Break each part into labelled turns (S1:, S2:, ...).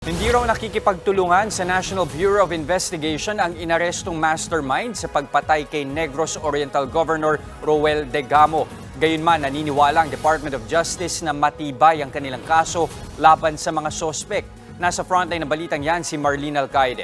S1: Hindi raw nakikipagtulungan sa National Bureau of Investigation ang inarestong mastermind sa pagpatay kay Negros Oriental Governor Roel Degamo. Gayunman, naniniwala ang Department of Justice na matibay ang kanilang kaso laban sa mga sospek. Nasa frontline ng balitang yan si Marlene Alcaide.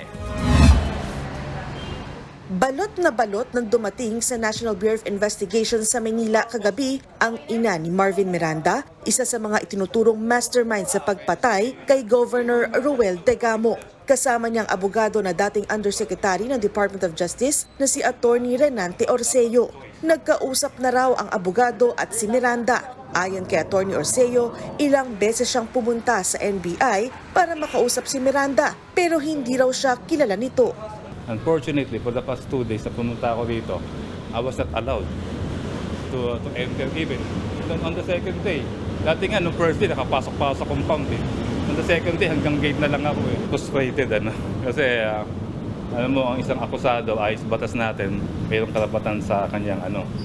S2: Balot na balot nang dumating sa National Bureau of Investigation sa Manila kagabi ang ina ni Marvin Miranda, isa sa mga itinuturong mastermind sa pagpatay kay Governor Roel Degamo. Kasama niyang abogado na dating Undersecretary ng Department of Justice na si Attorney Renante Orceo. Nagkausap na raw ang abogado at si Miranda. Ayon kay Attorney Orceo, ilang beses siyang pumunta sa NBI para makausap si Miranda pero hindi raw siya kilala nito.
S3: Unfortunately, for the past 2 days na pumunta ako dito, I was not allowed to enter even. On the second day, dati nga, nung first day, nakapasok pa sa compound eh. On the second day, hanggang gate na lang ako eh. Frustrated, Kasi, alam mo, ang isang akusado ay sa batas natin, mayroong karapatan sa kanyang,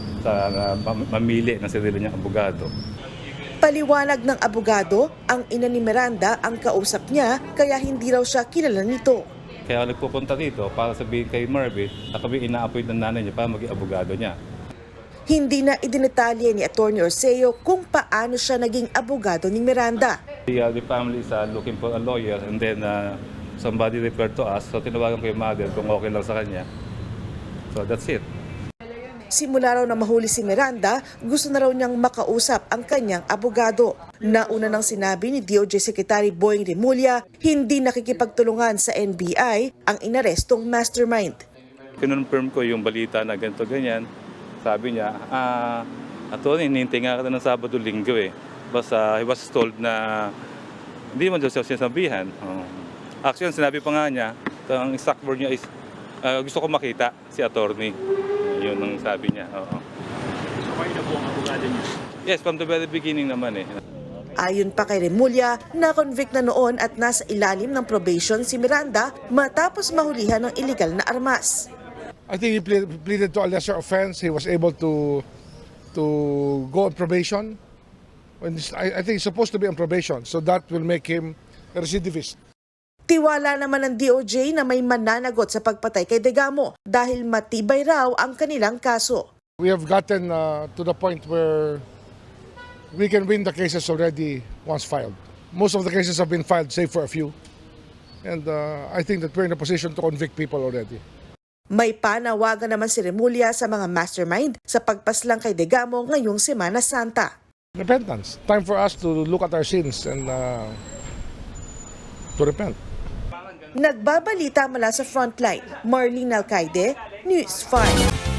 S3: mamili ng sarili niyang abogado.
S2: Paliwanag ng abogado, ang ina ni Miranda ang kausap niya, kaya hindi raw siya kilala nito.
S3: Kaya nagpupunta dito para sabihin kay Marvin na kami ina-appoint ng nanay niya para maging abogado niya.
S2: Hindi na idinetalye ni Attorney Orceo kung paano siya naging abogado ni Miranda.
S3: The family is looking for a lawyer and then somebody referred to us. So tinawagan ko yung mother kung okay lang sa kanya. So that's it.
S2: Simula raw na mahuli si Miranda, gusto na raw niyang makausap ang kanyang abogado. Nauna nang sinabi ni DOJ Secretary Boying Remulla, hindi nakikipagtulungan sa NBI ang inarestong mastermind.
S3: Kinonfirm ko yung balita na ganito ganyan. Sabi niya, attorney, hinihintay nga ka ng Sabado-Linggo eh. Basta he was told na hindi man daw siya sinasabihan. Actually, sinabi pa nga niya, ang exact word niya is, gusto ko makita si attorney. Yun ang sabi niya. Oo.
S4: So kayo na po ang abogado niya?
S3: Yes, from the very beginning naman eh.
S2: Ayon pa kay Remulla, na-convict na noon at nasa ilalim ng probation si Miranda matapos mahulihan ng illegal na armas.
S5: I think he pleaded to a lesser offense. He was able to go on probation. I think he's supposed to be on probation, so that will make him a recidivist.
S2: Tiwala naman ng DOJ na may mananagot sa pagpatay kay Degamo dahil matibay raw ang kanilang kaso.
S5: We have gotten to the point where we can win the cases already once filed. Most of the cases have been filed, save for a few. And I think that we're in a position to convict people already.
S2: May panawagan naman si Remulla sa mga mastermind sa pagpaslang kay Degamo ngayong Semana Santa.
S5: Repentance. Time for us to look at our sins and to repent.
S2: Nagbabalita mula sa Frontline, Marlene Alcaide, News 5.